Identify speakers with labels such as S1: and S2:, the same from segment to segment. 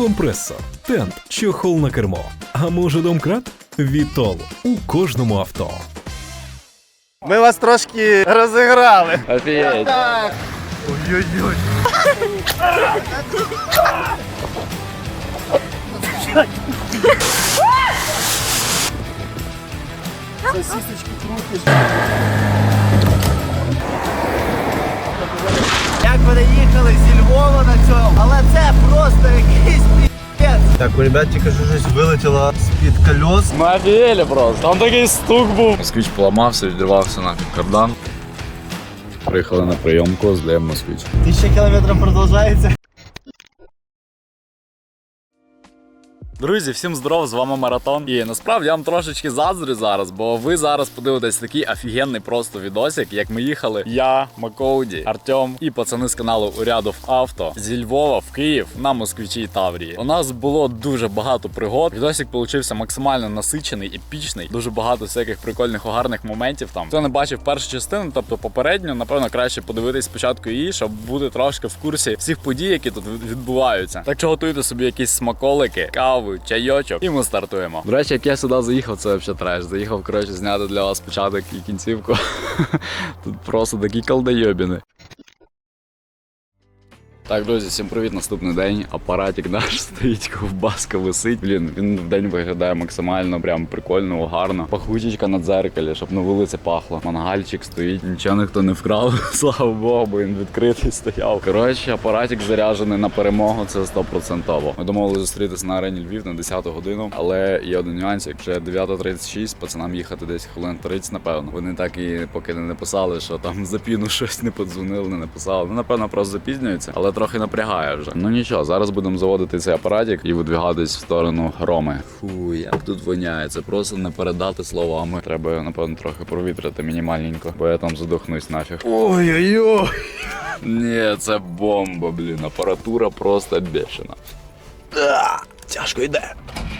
S1: компресор, тент, чохол на кермо. А може домкрат? Вітол у кожному авто.
S2: Ми вас трошки розіграли.
S3: Офігеть.
S2: Ой-ой-ой. Сосисочки крутиш. Як вони їхали зі Львова на цьому, але це просто якийсь пі***ць. Так, у ребят тільки щось вилетіло з-під колес.
S3: Ми офігели просто. Там такий стук був. Москвич поламався, відривався нафіг кардан. Приїхали на прийомку, здаємо москвич.
S2: 1000 кілометрів продовжується.
S3: Друзі, всім здоров, з вами Маратон. І насправді я вам трошечки заздрю зараз, бо ви зараз подивитесь такий офігенний просто відосик, як ми їхали я, Макоуді, Артем і пацани з каналу Урядов Авто зі Львова в Київ на Москвичі Таврії. У нас було дуже багато пригод. Відосик получився максимально насичений, епічний, дуже багато всяких прикольних, гарних моментів там. Хто не бачив першу частину, тобто попередню, напевно, краще подивитись спочатку її, щоб бути трошки в курсі всіх подій, які тут відбуваються. Так що готуйте собі якісь смаколики, каву, чайочок, і ми стартуємо. До речі, як я сюди заїхав, це взагалі треш. Заїхав, коротше, зняти для вас початок і кінцівку. Тут просто такі колдойобіни. Так, друзі, всім привіт, наступний день. Апаратик наш стоїть, ковбаска висить. Блін, він в день виглядає максимально прям прикольно, гарно. Пахучечка на дзеркалі, щоб на вулиці пахло. Мангальчик стоїть, нічого ніхто не вкрав, слава Богу, бо він відкритий стояв. Коротше, апаратик заряджений на перемогу, це 100%. Ми думали зустрітися на арені Львів на 10 годину, але є один нюансик, вже 9:36, пацанам їхати десь хвилин 30, напевно. Вони так і поки не написали, що там за піну щось не подзвонили, не написали. Ну, напевно, просто запізнюються, але трохи напрягає вже. Ну нічого, зараз будемо заводити цей апаратик і видвигатись в сторону Роми. Фу, як тут воняє, це просто не передати словами. Треба, напевно, трохи провітрити мінімальненько, бо я там задохнусь нафіг.
S2: Ой-ой-ой.
S3: Ні, це бомба, блін, апаратура просто бешена.
S2: Тяжко йде.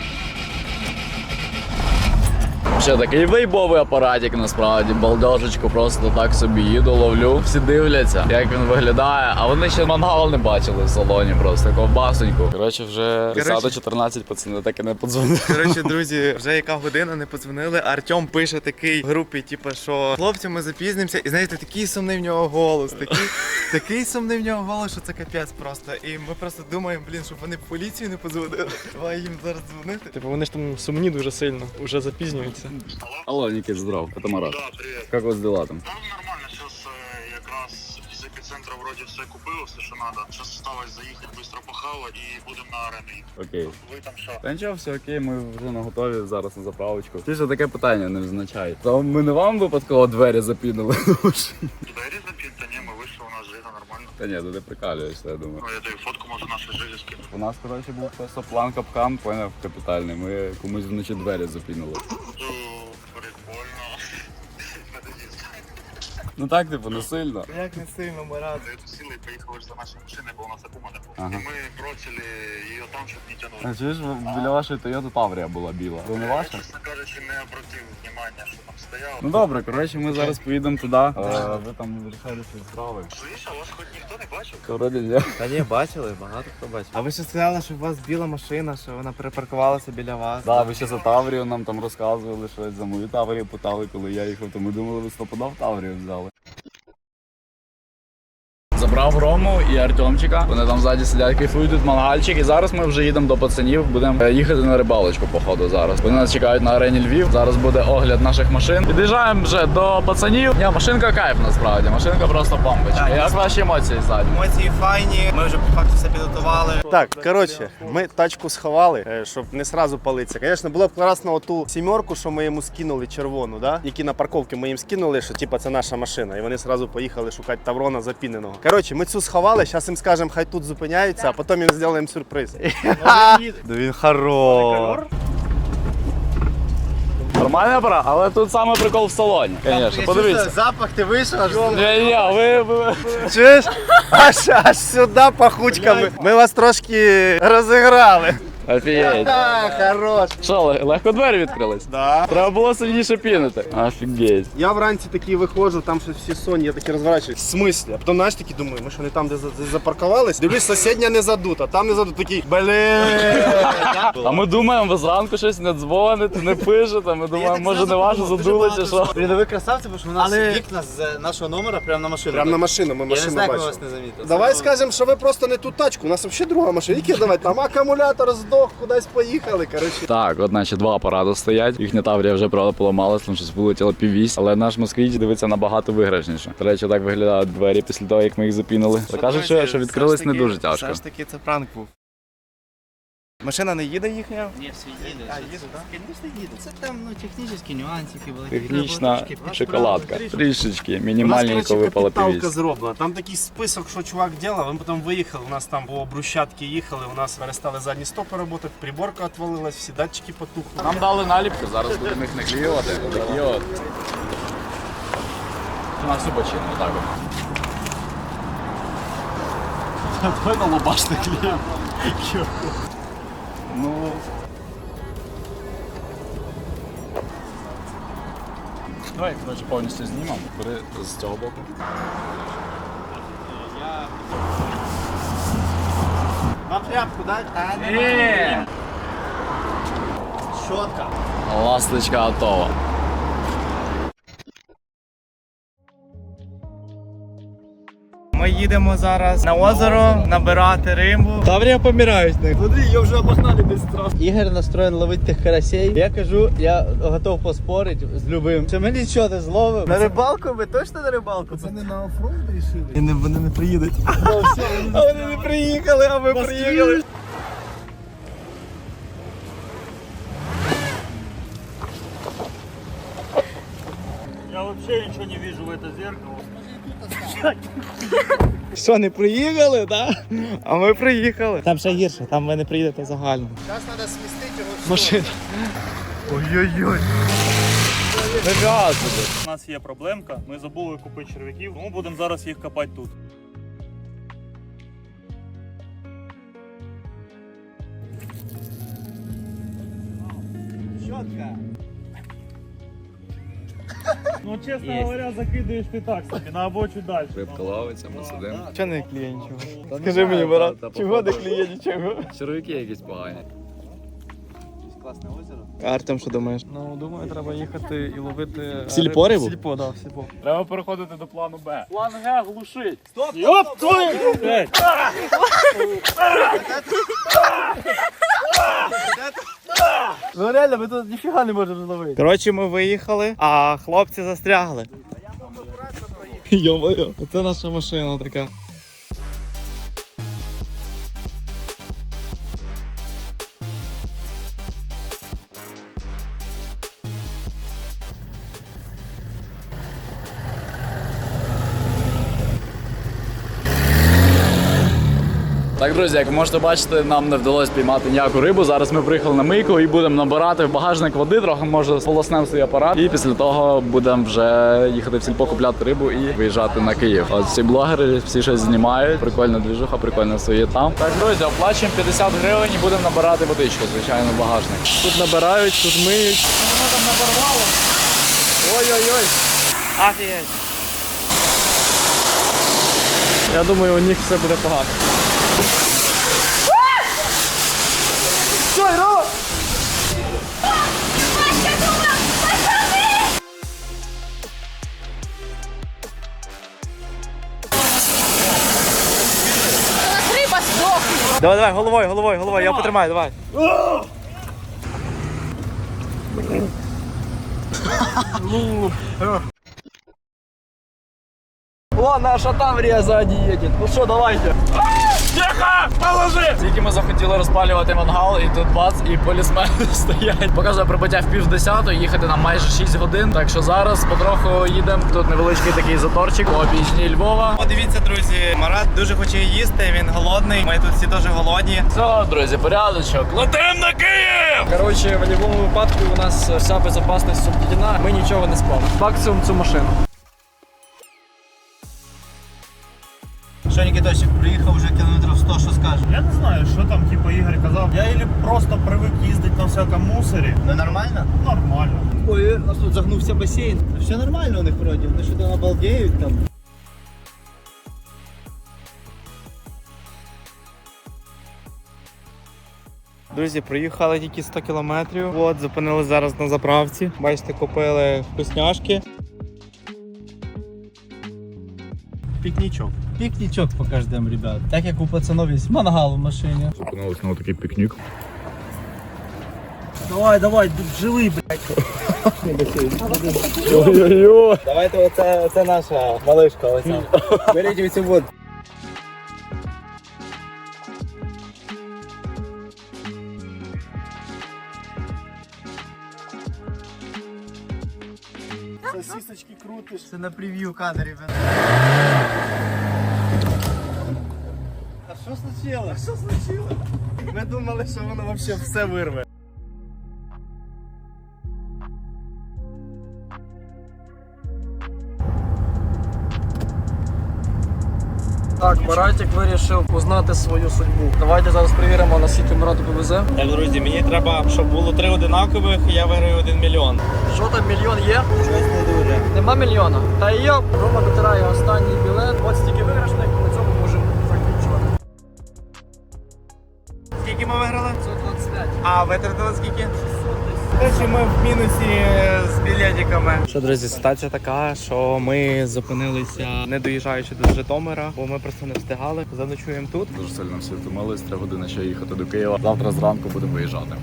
S3: Ще такий вейбовий апаратик, насправді, балдежечку, просто так собі їду, ловлю. Всі дивляться, як він виглядає, а вони ще мангал не бачили в салоні, просто ковбасоньку. Коротше, вже 10-14 пацани так і не подзвонили.
S2: Коротше, друзі, вже яка година не подзвонили. Артем пише такий в групі, типу, що хлопці, ми запізнимося. І знаєте, такий сумний в нього голос, такий сумний в нього голос, що це капець просто. І ми просто думаємо, блін, щоб вони в поліцію не подзвонили. Давай їм зараз дзвонити.
S4: Типу вони ж там сумні дуже сильно, уже запізнюються.
S3: Алло, Никит, здрав, это Марат.
S5: Да, привет.
S3: Как у вас дела там?
S5: Да, нормально, сейчас якраз из эпицентра вроде все купил, все, что надо. Сейчас осталось заехать, быстро похавать и будем на арену.
S3: Окей.
S5: Вы там что?
S3: Та нічого, все окей, ми вже наготові зараз на заправочку. Ти ж таке питання не означає. То ми не вам випадково двері запінили?
S5: Двери запинта, не, мы вышли, у нас же это нормально.
S3: Та ні, ти прикалюєшся, я думаю.
S5: Ну, я даю фотку, может, нашей жизни скину.
S3: У нас, коротше, був просто план капкан, поняв, капітальний. Ми комусь вночі двері запінили.
S5: Ну, прикольно.
S3: Ну так, типу, не сильно.
S2: Як не сильно, Марат.
S5: За эту силу поехал за нашей машиной, бо у нас аккумулятор был.
S3: Ага.
S5: И мы бросили ее там, чтобы не тянули.
S3: А чуєш, біля вашої Toyota Таврія була біла. Це не
S5: Я,
S3: ваша?
S5: честно кажучи, не обратил внимания, что там стояло.
S3: Ну добре, коротше, ми зараз поїдемо туди. Ви там вирішали свої справи.
S5: Слышь, а вас хоть никто не бачил?
S3: Вроді ні.
S2: Та ні, бачили, багато хто бачив. А ви ще сказали, що у вас біла машина, що вона припаркувалася біля вас.
S3: Да, ви ще за Таврію нам там розказували щось, за мою Таврію питали, коли я їхав, то ми думали, ви стопудов Таврію взяли. Забрав Рому і Артемчика. Вони там ззаді сидять, кайфують, тут мангальчик. І зараз ми вже їдемо до пацанів, будемо їхати на рибалочку, походу, зараз. Вони нас чекають на арені Львів. Зараз буде огляд наших машин. Під'їжджаємо вже до пацанів. Ні, машинка кайф насправді, машинка просто бомбочка. Як ваші емоції ззаді?
S2: Емоції файні, ми вже по факту все підготували. Так, коротше, ми тачку сховали, щоб не сразу палитися. Звісно, було б класно оту сімерку, що ми йому скинули червону, да? Які на парковці ми їм скинули, що типа це наша машина. І вони сразу поїхали шукати Таврона запіненого. Коротше, ми цю сховали, зараз їм скажемо, хай тут зупиняються, а потім їм зробимо сюрприз. Да він хорош.
S3: Нормальна пора, але тут саме прикол в салоні. Звісно, подивіться.
S2: Запах ти вийшов, аж
S3: Ні, ви...
S2: чуєш? Аж сюди пахучками. Ми вас трошки розіграли.
S3: Офігеть.
S2: Хорош.
S3: Що, легко двері відкрились?
S2: Да.
S3: Треба було сильніше пінити. Офігеть.
S2: Я вранці такий виходжу, там щось всі сонні, я такий розворачуюсь. В смислі? А потім, знаєш, такий думаю, ми що не там, де запаркувались? Дивлюсь, сусідня не задута, там не задута. Такий,
S3: А ми думаємо, ви зранку щось не дзвоните, не пишете. Ми думаємо, може не ваше задули чи що.
S6: Блін, ви красавці, бо що у нас вікна з нашого номера прямо на машину.
S2: Прямо на машину, ми
S6: Я не
S2: машину
S6: знаю, як ми
S2: бачимо.
S6: вас не замітили.
S2: Давай скажемо, що ви просто не ту тачку, у нас взагалі друга машина. Які давай, там акумулятор здох, кудись поїхали, коротше.
S3: Так, от наче два апарати стоять. Їхня Таврія вже правда поламалась, там щось вилетіло піввісь. Але наш москвич дивиться набагато виграшніше. До речі, так виглядають двері після того, як ми їх запінили. Та кажуть, що відкрились не дуже тяжко.
S7: Все ж таки це пранк був. Машина не їде їхня?
S6: Ні, всі їде.
S7: А, їде, так?
S6: Звісно, їде. Це там, технічні нюансики були.
S3: Технічна шоколадка. Трішечки,
S2: У нас,
S3: мінімальненько
S2: коротше,
S3: випала
S2: капіталка
S3: піввісь.
S2: зроблена. Там такий список, що чувак робив, ми потім виїхали, у нас там по брусчатки їхали, у нас перестали задні стопи працювати, приборка відвалилась, всі датчики потухли.
S3: Нам дали наліпки, зараз будемо їх наклеювати. Такі от. На всю бочину, отак от. Давай на лобашний клієнт. Ну... Давай, коротше, повністю знімемо. Бери з цього боку.
S6: Вам тряпку дать? Щотка.
S3: Ласточка готова.
S7: Ми їдемо зараз на озеро набирати рибу.
S4: Таврія помирають них.
S6: Смотри, я вже обогнали десь сразу. Ігор настроєн ловити тих карасей. Я кажу, я готов поспорити з любим. Що ми нічого не зловимо. На рибалку? Ми точно на рибалку? Це не на оффроуд рішили?
S7: Вони не приїдуть.
S6: А вони не приїхали, а ми приїхали.
S5: Я вообще ничего не вижу в это зеркало.
S7: Що, не приїхали, так? А ми приїхали. Там ще гірше, там ви не приїдете загально.
S2: Зараз треба смістити його в
S7: Машина. Ой-ой-ой.
S5: У нас є проблемка, ми забули купити черв'яків, тому будемо зараз їх копати тут.
S6: Щотка.
S5: Ну, чесно говоря, закидаєш ти так собі, на або чуть далі.
S3: Рибка ловиться, ми сидимо.
S7: Чого не кліє нічого? Скажи мені, брат, чого не кліє нічого?
S3: Червяки якісь погані.
S6: Класне озеро.
S7: А Артем, що думаєш?
S4: Ну, думаю, треба їхати і ловити...
S7: Сільпо рибу?
S4: Сільпо, так, сільпо.
S5: Треба переходити до плану Б. План Г глушить. Стоп! Йоп, твою!
S7: Ну реально, ми тут ніфіга не можемо зловити. Коротше, ми виїхали, а хлопці застрягли. Йо-моє, це наша машина така.
S3: Так, друзі, як ви можете бачити, нам не вдалося піймати ніяку рибу. Зараз ми приїхали на мийку і будемо набирати в багажник води, трохи може сполоснемо свій апарат. І після того будемо вже їхати в сільпо купляти рибу і виїжджати на Київ. От всі блогери, всі щось знімають. Прикольна двіжуха, прикольно своє там. Так, друзі, оплачуємо 50 гривень і будемо набирати водичку, звичайно, в багажник.
S4: Тут набирають, тут миють.
S5: Воно там наборвало.
S7: Ой-ой-ой.
S4: Офігеть. Я думаю, у них все буде погано.
S7: Давай, давай, головою, я потримаю, давай. О, наша Таврія ззаді їде. Ну що, давайте.
S3: Тільки ми захотіли розпалювати мангал, і тут бац, і полісмени стоять. Показує прибуття в 9:30, їхати нам майже 6 годин. Так що зараз потроху їдемо. Тут невеличкий такий заторчик по обічній Львова.
S7: Подивіться, друзі, Марат дуже хоче їсти, він голодний. Ми тут всі теж голодні.
S3: Все, друзі, порядочок. Летим на Київ!
S4: Коротше, в будь-якому випадку у нас вся безпечність соблюдена, ми нічого не спали. Максимум цю машину.
S6: Що, Нікітосик, приїхав вже кілометрів 100, що скажеш?
S8: Я не знаю, що там, типу, Ігор казав. Я ілі просто привик їздити на всякому мусорі.
S6: Ну нормально?
S8: Нормально.
S6: Ой, у нас тут загнувся басейн. Все нормально у них вроді, вони що там обалдеють там.
S7: Друзі, проїхали тільки 100 кілометрів. От, зупинили зараз на заправці. Бачите, купили вкусняшки.
S6: Пікнічок. Пікнічок покажемо, ребят. Так як у пацанов є мангал в машині.
S3: Зупинились на такий пікнік.
S8: Давай, живий, блядь.
S6: Давайте оце наша малишка. Оця. Беріть оцю воду.
S2: Сосисочки крутиш.
S6: Це на прев'ю кадр, ребят. А що случилось?
S2: Ми думали, що воно взагалі все вирве.
S4: Так, Маратик вирішив узнати свою судьбу. Давайте зараз перевіримо, наскільки Марату повезе.
S7: Так, друзі, мені треба, щоб було 3 одинакових, і я виграю 1 мільйон.
S4: Що там, мільйон є?
S6: Щось не дуже.
S4: Нема мільйона. Та є. Рома дотирає останній білет. От стільки виграшних, на цьому можемо закінчувати.
S7: Скільки ми виграли?
S4: 125.
S7: А витратили скільки? 600 десь. Короче, ми в мінусі з білетиками. Що, друзі, ситуація така, що ми зупинилися не доїжджаючи до Житомира, бо ми просто не встигали. Заночуємо тут.
S3: Дуже сильно всі втомились, 3 години ще їхати до Києва. Завтра зранку будемо виїжджати.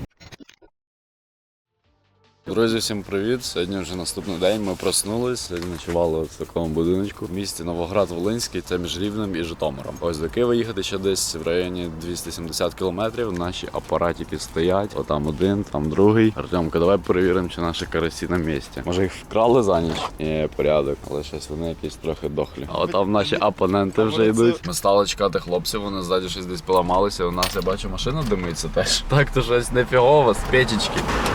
S3: Друзі, всім привіт! Сьогодні вже наступний день. Ми проснулись, сьогодні ночували в такому будиночку в місті Новоград-Волинський, це між Рівнем і Житомиром. Ось до Києва їхати ще десь в районі 270 кілометрів. Наші апаратики стоять, отам один, там другий. Артемка, давай перевіримо, чи наші карасі на місці. Може їх вкрали за ніч? Ні, порядок, але щось вони якісь трохи дохлі. А отам наші опоненти вже йдуть. Ми стали чекати хлопців, вони ззаді щось десь поламалися. У нас, я бачу, машина димиться теж. Так то щось нефігово, з печечки.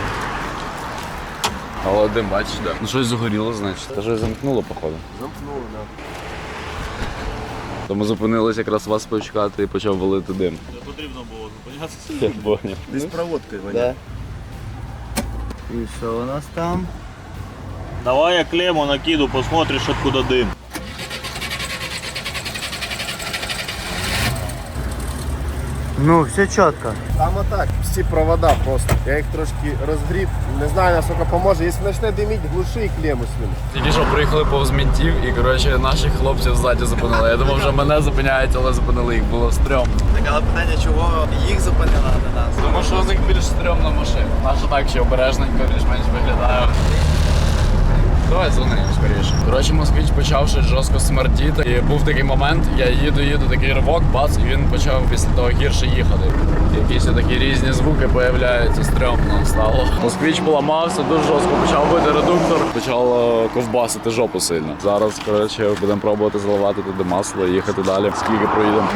S3: Але дим, бачиш, де? Ну щось загоріло, значить. Та щось замкнуло, походу.
S2: Замкнуло, так.
S3: То ми зупинились якраз вас почекати і почав валити дим.
S8: Не потрібно було зупинятися.
S3: Я поняв.
S2: Десь проводкою воняє.
S6: І що у нас там?
S8: Давай я клемму накиду, посмотришь, откуда дым.
S6: Ну, все чітко.
S2: Там отак, всі провода просто. Я їх трошки розгріб, не знаю наскільки поможе. Якщо почне диміть, глуши і клему свину.
S3: Тільки що приїхали повз мінтів і, коротше, наших хлопців ззаді зупинили. Я думав, вже мене зупиняють, але зупинили їх, було стрьомно.
S7: Так, але питання, чого їх зупинила на нас?
S3: Тому що з них більш стрьомна машина. Наша так ще обережненько, більш-менш виглядає. Давай дзвони скоріше. Коротше, москвич почав щось жорстко смердіти. І був такий момент, я їду, такий ривок, бац, і він почав після того гірше їхати. Якісь такі різні звуки появляються, стрьомно стало. Москвич поламався, дуже жорстко почав бити редуктор, почав ковбасити жопу сильно. Зараз, коротше, будемо пробувати заливати туди масло і їхати далі. Скільки проїдемо.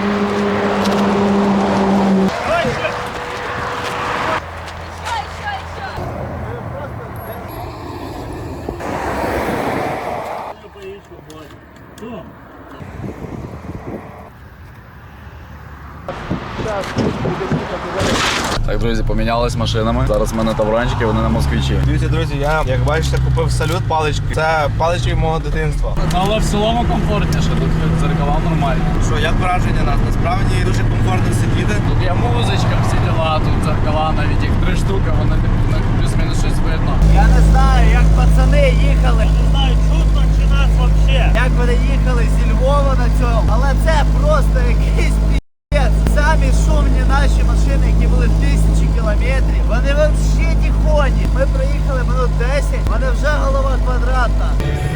S3: Так, друзі, помінялись машинами. Зараз ми на таврончики, вони на москвичі.
S7: Дивіться, друзі, я, як бачите, купив салют палички. Це палички мого дитинства.
S3: Але в цілому комфортніше, тут дзеркала нормальні.
S7: Що, як враження нас? Насправді дуже комфортно сидіти.
S3: Тут є музичка, всі діла, тут дзеркала, навіть їх 3 штуки, вони плюс-мінус щось видно.
S6: Я не знаю, як пацани їхали.
S8: Не знаю, чутно чи нас вообще.
S6: Як вони їхали зі Львова на цьому. Але це просто якийсь пі***ць. Самі шумні наші машини, які були в 1000 кілометрів, вони взагалі тихоні. Ми проїхали минут 10, вони вже голова квадратна.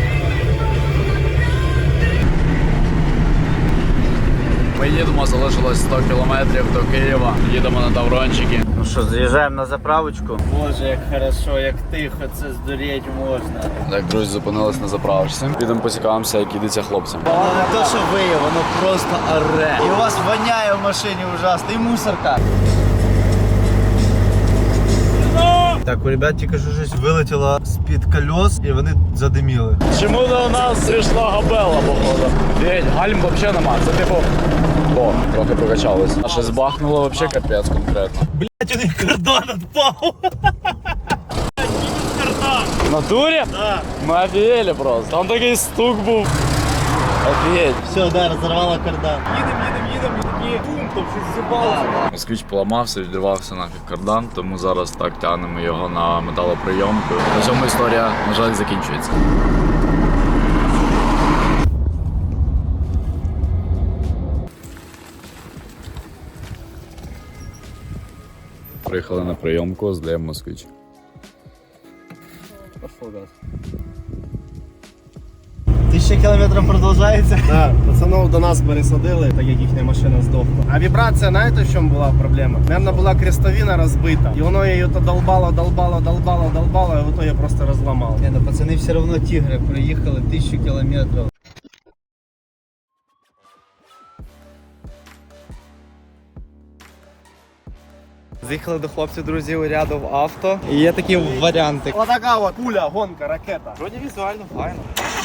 S3: Ми їдемо, залишилось 100 кілометрів до Києва. Їдемо на таврончики.
S6: Ну що, заїжджаємо на заправочку. Боже, як хорошо, як тихо, це здуріти можна.
S3: Так, друзі, зупинились на заправочці. Підемо поцікавимося, як ідеться хлопцям.
S6: Воно не то, що виє, воно просто оре. І у вас воняє в машині ужасно, і мусорка.
S8: Ну!
S6: Так, у ребят тільки що щось вилетіло з-під колес і вони задиміли.
S3: Чому до нас прийшла габела, походу? День, гальм взагалі нема. Це типу. О, трохи прокачалось. А щось бахнуло взагалі капець конкретно.
S8: Блять, у них кардан отпал.
S3: В натурі?
S8: Да.
S3: Ми офігели просто. Там такий стук був. Офігеть.
S6: Все, да, розірвало кардан.
S8: Їдем, і такі бум, там щось зібалося.
S3: Москвич поламався, відривався нафіг кардан, тому зараз так тягнемо його на металоприйомку. На цьому історія, на жаль, закінчується. Приїхали на прийомку, здаємо москвич.
S6: 1000 кілометрів продовжується.
S2: Да, пацанов до нас пересадили, так як їхня машина здохла. А вібрація, знаєте, в чому була проблема? Наверно, була крестовина розбита. І воно її то долбало, і в итоге просто розламало.
S6: Не, ну пацани все одно тігри проїхали 1000 кілометрів.
S7: Заїхали до хлопців, друзі, у рядов авто. І є такі варіанти.
S2: Отака от пуля, гонка, ракета.
S7: Вроді візуально файно.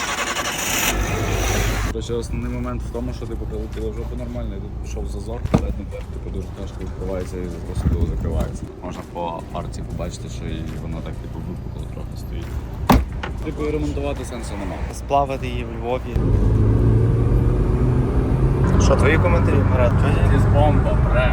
S3: Короче, основний момент в тому, що типу прилетіло в жопу нормально, і тут пішов зазор, передній дверь типу дуже тяжко відкривається і просто закривається. Можна по арці побачити, що і воно так типу випукло трохи стоїть. Типу і ремонтувати сенсу немає.
S7: Сплавити її в Львові.
S2: Що, твої коментарі, Марат?
S3: З бомба, бре.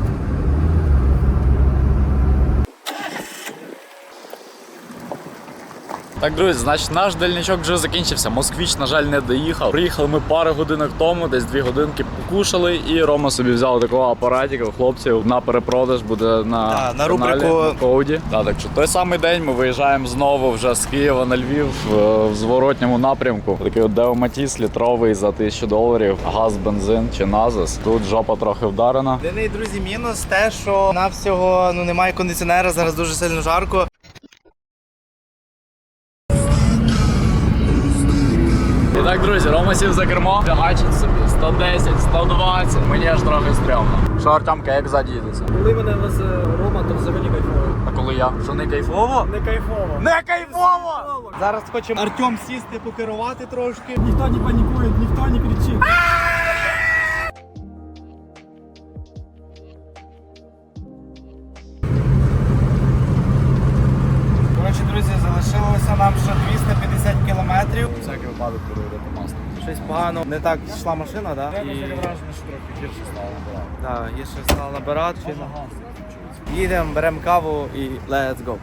S3: Так, друзі, значить наш дальничок вже закінчився. Москвич, на жаль, не доїхав. Приїхали ми пару годинок тому, десь 2 годинки покушали, і Рома собі взяв такого апаратика у хлопців на перепродаж, буде на,
S7: на рубрику
S3: Коуді. Так що той самий день ми виїжджаємо знову вже з Києва на Львів в зворотньому напрямку. Такий от Део Матіс літровий за $1000, газ, бензин чи назис. Тут жопа трохи вдарена.
S7: Єдиний, друзі, мінус те, що на всього немає кондиціонера, зараз дуже сильно жарко.
S3: І так, друзі, Рома сів за кермо, фігачить собі 110, 120, мені аж трохи стрьомно. Що, Артемка, як ззаді їдеться?
S4: Коли мене везе Рома, то взагалі кайфово.
S3: А коли я? Що не кайфово?
S4: Не кайфово.
S3: Не кайфово!
S7: Зараз хочемо Артем сісти, покерувати трошки.
S4: Ніхто не панікує, ніхто не кричить.
S7: Коротше, друзі, залишилося нам ще 250 кілометрів.
S3: Всякий випадок перевірити масло.
S7: Щось погано. Не так йшла машина, так?
S3: І враження, що трохи гірше стало набирати.
S7: Так, є ще стало набирати. Їдемо, беремо каву і let's go.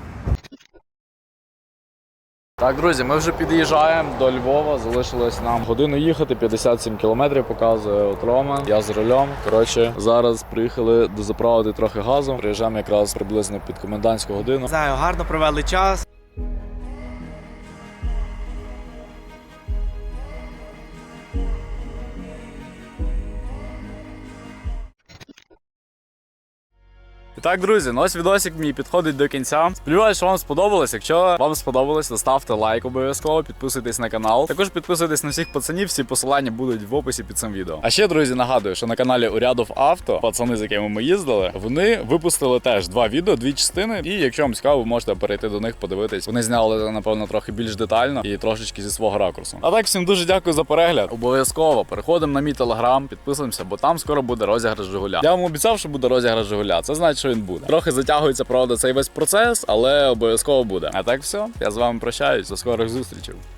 S3: Так, друзі, ми вже під'їжджаємо до Львова, залишилось нам годину їхати, 57 кілометрів показує от Рома, я з рулем. Коротше, зараз приїхали дозаправити трохи газу, приїжджаємо якраз приблизно під комендантську годину.
S7: Не знаю, гарно провели час.
S3: І так, друзі, ну ось відосик мій підходить до кінця. Сподіваюсь, що вам сподобалось. Якщо вам сподобалось, то ставте лайк обов'язково, підписуйтесь на канал. Також підписуйтесь на всіх пацанів, всі посилання будуть в описі під цим відео. А ще, друзі, нагадую, що на каналі Урядов Авто, пацани, з якими ми їздили, вони випустили теж 2 відео, 2 частини. І якщо вам цікаво, ви можете перейти до них, подивитись. Вони зняли, напевно, трохи більш детально і трошечки зі свого ракурсу. А так, всім дуже дякую за перегляд. Обов'язково переходимо на мій телеграм, підписуємося, бо там скоро буде розіграш Жигуля. Я вам обіцяв, що буде розіграш Жигуля. Це значить, що він буде. Трохи затягується, правда, цей весь процес, але обов'язково буде. А так все, я з вами прощаюсь, до скорих зустрічей.